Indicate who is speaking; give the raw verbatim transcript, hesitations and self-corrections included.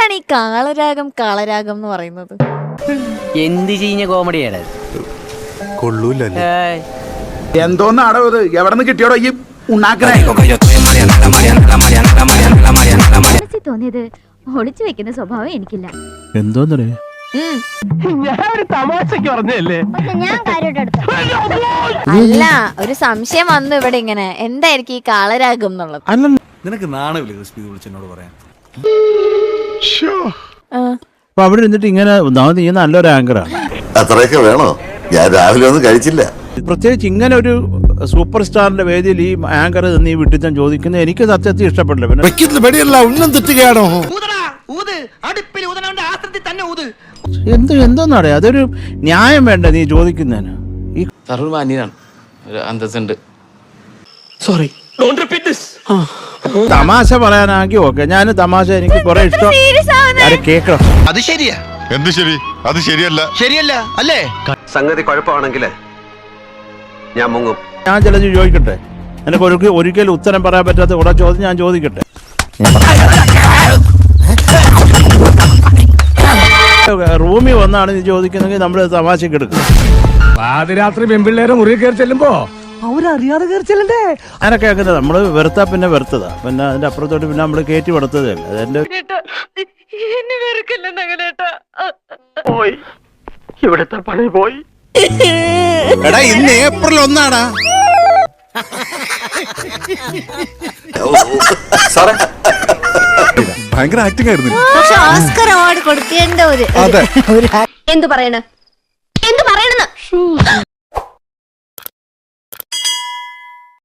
Speaker 1: എന്താണ് ഈ കാളരാഗം കാളരാഗം എന്ന് പറയുന്നത്?
Speaker 2: എന്ത് ചെയ്യുന്ന കോമഡിയാണ്
Speaker 3: കൊള്ളൂല്ലേ?
Speaker 4: എന്തോന്നാടോ ഇത്? എവിടെ നിന്ന് കിട്ടിയോടോ ഈ ഉണ്ടാക്കണേ?
Speaker 5: തോന്നിയത് ഒളിച്ചു വെക്കുന്ന സ്വഭാവം എനിക്കില്ല.
Speaker 3: എന്തോന്നേ
Speaker 1: അല്ല, ഒരു സംശയം വന്നു ഇവിടെ. ഇങ്ങനെ എന്തായിരിക്കും ഈ കാളരാഗം എന്നുള്ളത്?
Speaker 3: അല്ല,
Speaker 6: നിനക്ക് നാണമില്ലേ ക്രിസ്പി വിളിച്ചെന്നോട് പറയാൻ?
Speaker 3: അപ്പൊ അവിടെ ഇരുന്നിട്ട് ഇങ്ങനെ നീ നല്ലൊരു ആങ്കറാണ്.
Speaker 7: അത്രയൊക്കെ വേണോ? ഞാൻ രാവിലെ ഒന്നും കഴിച്ചില്ല.
Speaker 3: പ്രത്യേകിച്ച് ഇങ്ങനെ ഒരു സൂപ്പർ സ്റ്റാറിന്റെ വേദിയിൽ ഈ ആങ്കർ നീ വിട്ടിച്ചാൻ ചോദിക്കുന്നത് എനിക്ക് സത്യത്തിൽ ഇഷ്ടപ്പെടില്ല. പിന്നെ
Speaker 6: വെടിയല്ല, ഉന്നം തെറ്റുകയാണോ?
Speaker 3: എന്ത് എന്തോന്നാടേ, അതൊരു ന്യായം വേണ്ട നീ ചോദിക്കുന്നതിന്. ഈ
Speaker 6: സോറി,
Speaker 3: തമാശ പറയാനാക്കി ഓക്കെ, ഞാൻ തമാശ എനിക്ക് കുറെ ഇഷ്ടം കേക്കണം.
Speaker 8: അത് ശരിയാ.
Speaker 7: എന്ത് ശരി? അത് ശരിയല്ല.
Speaker 8: ശരിയല്ല അല്ലേ? സംഗതി കുഴപ്പമാണെങ്കിലേ ഞാൻ മുങ്ങും.
Speaker 3: ഞാൻ ചിലത് ചോദിക്കട്ടെ, എനിക്ക് ഒരു ഒരിക്കലും ഉത്തരം പറയാൻ പറ്റാത്ത കുറെ ചോദ്യം ഞാൻ ചോദിക്കട്ടെ. റൂമിൽ വന്നാണ് നീ ചോദിക്കുന്നെങ്കിൽ നമ്മൾ തമാശക്ക് എടുക്കും.
Speaker 6: പാതിരാത്രി പെൺപിള്ളേരെ മുറിയിൽ കയറി ചെല്ലുമ്പോ അവരറിയാതെ കയറി ചെല്ലണ്ടേ?
Speaker 3: അങ്ങനൊക്കെ അങ്ങനെ നമ്മള് വെറുത്താ പിന്നെ വെറുത്തതാ, പിന്നെ അതിന്റെ അപ്പുറത്തോട്ട് പിന്നെ നമ്മള് കയറ്റി വെറുത്തതല്ല. അതെന്റെ
Speaker 8: ഇവിടുത്തെ പണി പോയി.
Speaker 6: എടാ, ഇന്ന് ഏപ്രിൽ ഒന്നാടാ. ഭയങ്കര ആക്ടിംഗ് ആയിരുന്നു.
Speaker 5: പക്ഷെ ഓസ്കർ അവാർഡ് കൊടുക്കേണ്ട ഒരു
Speaker 6: അതെ.
Speaker 5: എന്ത് പറയണ എന്ത് പറയണെന്ന്